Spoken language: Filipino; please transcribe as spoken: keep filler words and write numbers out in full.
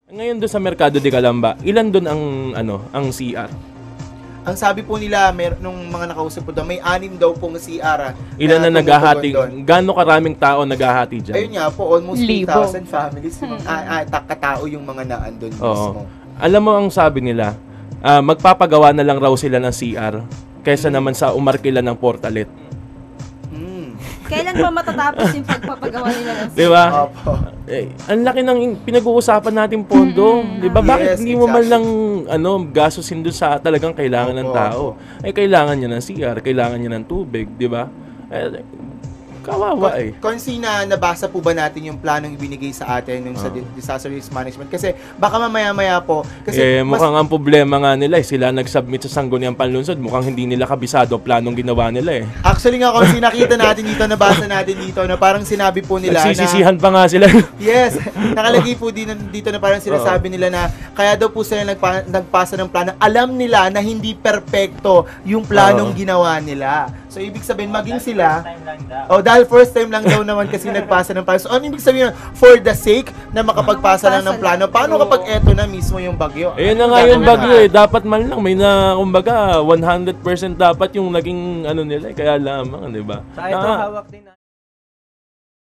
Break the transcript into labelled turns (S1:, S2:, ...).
S1: Ngayon doon sa Mercado de Calamba, ilan doon ang ano, ang C R?
S2: Ang sabi po nila, mer nung mga nakausap po doon, may anim daw pong C R.
S1: Ilan na, na naghahati? Gaano karaming tao naghahati dyan?
S2: Ayun nga po, almost three
S3: Libo.
S2: thousand families. Ah, ah, ta- katao yung mga naandun mismo.
S1: Alam mo ang sabi nila, ah, magpapagawa na lang raw sila ng C R kaysa naman sa umarkila ng portalet.
S2: Mm.
S4: Kailan pa matatapos yung pagpapagawa nila ng
S1: Di ba?
S2: Opo.
S1: Eh, ang laki ng pinag-uusapan nating pondo. Di ba? Bakit
S2: Yes,
S1: hindi mo man
S2: exactly.
S1: lang ano, gastusin doon sa talagang kailangan ng
S2: Opo,
S1: tao? Eh, kailangan niya ng C R, kailangan niya ng tubig, di ba? Eh, kawawa eh.
S2: Konsi na nabasa po ba natin yung planong ibinigay sa atin nung sa
S1: Ah.
S2: di- disaster risk management? Kasi baka mamaya-maya po. Kasi
S1: Eh,
S2: mas-
S1: mukhang ang problema nga nila eh, sila nag-submit sa Sangguniang Panlunsod, mukhang hindi nila kabisado ang planong ginawa nila eh.
S2: Actually nga, kung nakita natin dito, nabasa natin dito, na parang sinabi po nila na...
S1: Nagsisisihan pa nga sila.
S2: Yes, nakalagay po din dito na parang sinasabi nila na kaya daw po sila nagpa, nagpasa ng plano. Alam nila na hindi perpekto yung planong
S1: Oo.
S2: ginawa nila. So, ibig sabihin, maging sila... Oh, dahil first time lang daw naman kasi nagpasa ng plano. So, ano ibig sabihin? For the sake na makapagpasa lang ng plano. Paano kapag eto na mismo yung bagyo?
S1: Ayun na nga yung bagyo eh. Dapat man lang may na, kumbaga, one hundred percent dapat yung naging ano nila eh. Kaya lamang, di ba?
S5: Sa ito
S1: Na-
S5: hawak din na.